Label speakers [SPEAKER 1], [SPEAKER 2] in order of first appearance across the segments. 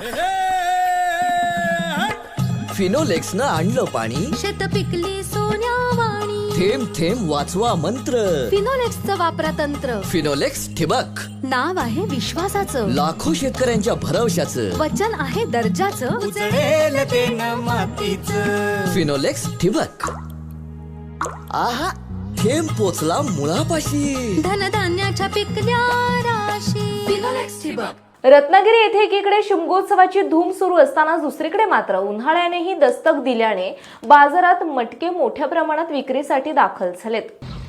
[SPEAKER 1] फिनोलेक्सनं आणलं पाणी,
[SPEAKER 2] शेत पिकली सोन्यावाणी.
[SPEAKER 1] थेंब थेंब वाचवा मंत्र.
[SPEAKER 2] फिनोलेक्सचं वापरा तंत्र.
[SPEAKER 1] फिनोलेक्स ठिबक,
[SPEAKER 2] नाव आहे विश्वासाचं,
[SPEAKER 1] लाखो शेतकऱ्यांच्या भरवशाचं.
[SPEAKER 2] वचन आहे दर्जाचं.
[SPEAKER 3] उजळेल ते न मातीचं.
[SPEAKER 1] फिनोलेक्स ठिबक, आहा, थेंब पोचला मुळापाशी.
[SPEAKER 2] धनधान्याच्या पिकल्या राशी. फिनोलेक्स ठिबक.
[SPEAKER 4] रत्नागिरी येथे एकीकडे शिमगोत्सवाची धूम सुरू असताना दुसरीकडे मात्र उन्हाळ्यानेही दस्तक दिल्याने बाजारात मटके मोठ्या प्रमाणात विक्रीसाठी दाखल झालेत.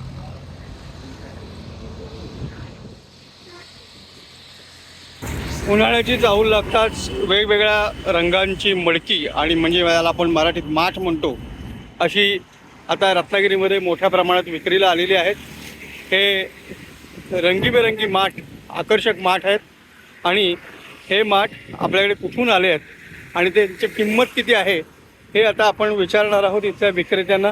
[SPEAKER 5] उन्हाळ्याची चाहूल लागताच वेगवेगळ्या रंगांची मडकी आणि म्हणजे याला आपण मराठीत माठ म्हणतो अशी आता रत्नागिरीमध्ये मोठ्या प्रमाणात विक्रीला आलेली आहेत. हे रंगीबेरंगी माठ, आकर्षक माठ आहेत आणि हे माठ आपल्याकडे कुठून आले आहेत आणि त्यांची किंमत किती आहे हे आता आपण विचारणार आहोत इथल्या विक्रेत्यांना.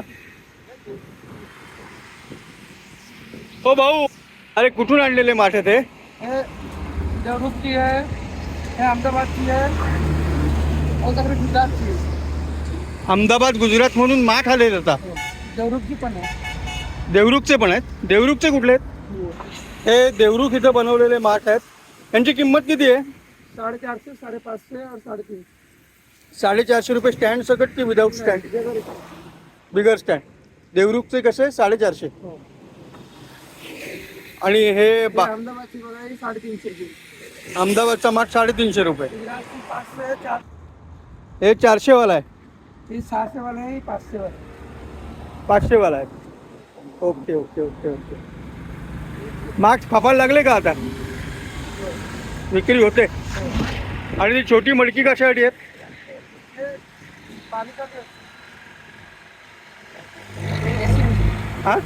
[SPEAKER 5] हो भाऊ, अरे कुठून आणलेले माठ आहेत हे?
[SPEAKER 6] देवरूखची आहे, हे अहमदाबादची आहे, और गुजरातची आहे.
[SPEAKER 5] अहमदाबाद गुजरात म्हणून माठ आले आता.
[SPEAKER 6] देवरूखची पण आहे.
[SPEAKER 5] देवरुखचे पण आहेत. देवरुखचे कुठले आहेत? हे देवरुख इथं बनवलेले माठ आहेत. यांची किंमत किती आहे?
[SPEAKER 6] 450, 550 और 350.
[SPEAKER 5] 450 रुपये स्टँड सकट की विदाऊट स्टँड? बिगर स्टँड. देवरुखचे कसे? 450. आणि हे
[SPEAKER 6] अहमदाबादची बघा, ही 350ची.
[SPEAKER 5] अहमदाबादचा माठ 350 रुपये.
[SPEAKER 6] गुजरातची 500, 400.
[SPEAKER 5] हे 400 वाला आहे.
[SPEAKER 6] ही 600 वाला आहे, ही 500 वाला आहे.
[SPEAKER 5] 500 वाला आहे. Okay okay okay okay. माठ फापायला लागले का आता? विक्री होते. आणि ती छोटी मडकी कशासाठी आहेत? हां,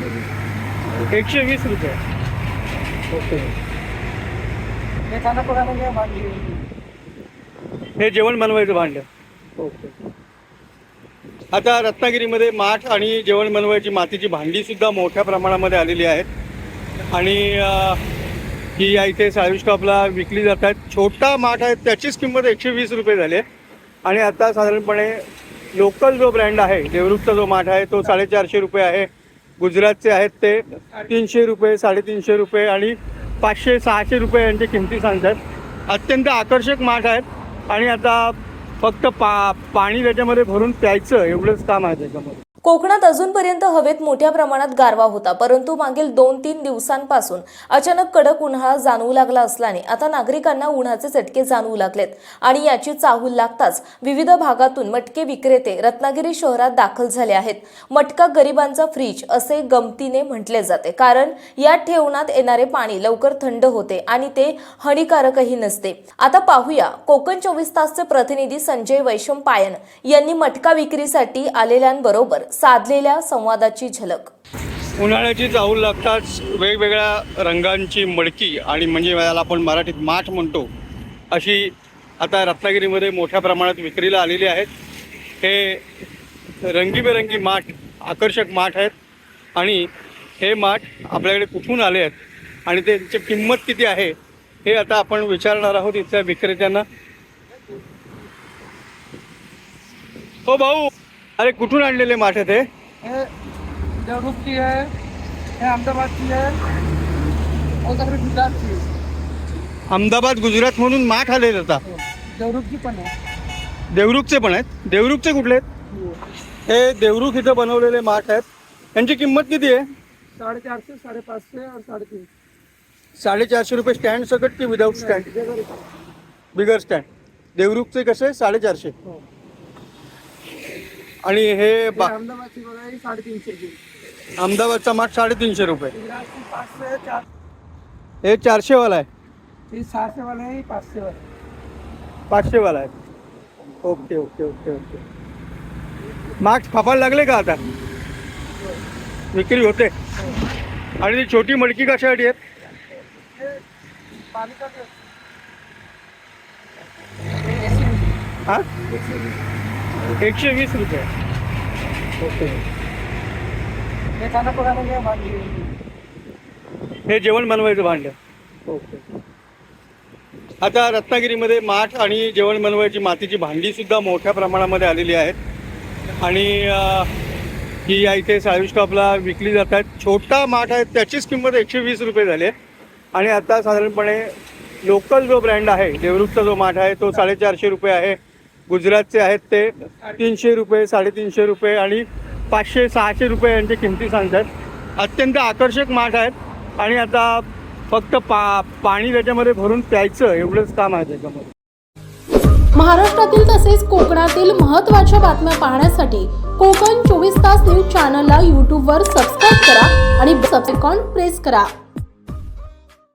[SPEAKER 5] 120 रुपये. ओके.
[SPEAKER 6] हे खाना पकायला भांडी.
[SPEAKER 5] हे जेवण बनवायचं भांडं. ओके. आता रत्नागिरीमध्ये माठ आणि जेवण बनवायची मातीची भांडी सुद्धा मोठ्या प्रमाणामध्ये आलेली आहेत आणि ही या इथे साळवी स्टॉपला विकली जातात. छोटा माठ आहे त्याचीच किंमत 120 रुपये झाली आहे. आणि आता साधारणपणे लोकल जो ब्रँड आहे देवरुखचा जो माठ आहे तो 450 रुपये आहे. गुजरातचे आहेत ते 300 रुपये, 350 रुपये आणि 500-600 रुपये यांची किमती सांगतात. अत्यंत आकर्षक माठ आहेत आणि आता फक्त पाणी त्याच्यामध्ये भरून प्यायचं एवढंच काम आहे त्याच्यामध्ये.
[SPEAKER 4] कोकणात अजूनपर्यंत हवेत मोठ्या प्रमाणात गारवा होता, परंतु मागील 2-3 दिवसांपासून अचानक कडक उन्हाळा जाणवू लागला असल्याने आता नागरिकांना उन्हाचे चटके जाणवू लागलेत आणि याची चाहूल लागताच विविध भागातून मटके विक्रेते रत्नागिरी शहरात दाखल झाले आहेत. मटका गरिबांचा फ्रीज असे गमतीने म्हटले जाते, कारण यात ठेवण्यात येणारे पाणी लवकर थंड होते आणि ते हानिकारकही नसते. आता पाहूया कोकण 24 तासचे प्रतिनिधी संजय वैशम पायन यांनी मटका विक्रीसाठी आलेल्यांबरोबर साधलेल्या संवादाची झलक.
[SPEAKER 5] उन्हाळ्याची चाहूल लागताच वेगवेगळ्या रंगांची मडकी आणि म्हणजे याला आपण मराठीत माठ म्हणतो अशी आता रत्नागिरीमध्ये मोठ्या प्रमाणात विक्रीला आलेली आहेत. हे रंगीबेरंगी माठ, आकर्षक माठ आहेत आणि हे माठ आपल्याकडे कुठून आले आहेत आणि त्यांची किंमत किती आहे हे आता आपण विचारणार आहोत इथल्या विक्रेत्यांना. हो भाऊ, अरे कुठून आणलेले माठ आहेत
[SPEAKER 6] हे देवरूखची आहे, हे अहमदाबादची आहे, और गुजरातची आहे.
[SPEAKER 5] अहमदाबाद गुजरात म्हणून माठ आले आता.
[SPEAKER 6] देवरूखची पण आहे.
[SPEAKER 5] देवरुखचे पण आहेत. देवरुखचे कुठले आहेत? हे देवरुख इथं बनवलेले माठ आहेत. यांची किंमत किती आहे?
[SPEAKER 6] 450, 550 और 350.
[SPEAKER 5] 450 रुपये स्टँड सकट की विदाऊट स्टँड? बिगर स्टँड. देवरुखचे कसे? 450. आणि हे
[SPEAKER 6] अहमदाबादची बघा, ही 350ची.
[SPEAKER 5] अहमदाबादचा माठ 350 रुपये.
[SPEAKER 6] गुजरातची 500, 400.
[SPEAKER 5] हे 400 वाला आहे.
[SPEAKER 6] ही 600 वाला आहे, ही 500 वाला आहे.
[SPEAKER 5] 500 वाला आहे. Okay okay okay okay. माठ फापायला लागले का आता? विक्री होते. आणि ती छोटी मडकी कशासाठी आहेत? हां, 120 रुपये. ओके.
[SPEAKER 6] हे खाना पकायला भांडी.
[SPEAKER 5] हे जेवण बनवायचं भांडं. ओके. आता रत्नागिरीमध्ये माठ आणि जेवण बनवायची मातीची भांडी सुद्धा मोठ्या प्रमाणामध्ये आलेली आहेत आणि ही या इथे साळवी स्टॉपला विकली जातात. छोटा माठ आहे त्याचीच किंमत 120 रुपये झाली आहे आणि आता साधारणपणे लोकल जो ब्रँड आहे देवरुखचा जो माठ आहे तो 450 रुपये आहे. गुजरातचे आहेत ते 300 रुपये 350 रुपये आणि 500-600 रुपये यांच्या किमती सांगतात. अत्यंत आकर्षक माठ आहेत आणि आता फक्त पाणी त्याच्यामध्ये भरून प्यायचं एवढंच काम आहे त्याच्यामध्ये.
[SPEAKER 7] महाराष्ट्रातील तसेच कोकणातील महत्त्वाच्या बातम्या पाहण्यासाठी कोकण 24 तास न्यूज चॅनलला यूट्यूबवर सबस्क्राईब करा आणि बेल आयकॉन प्रेस करा.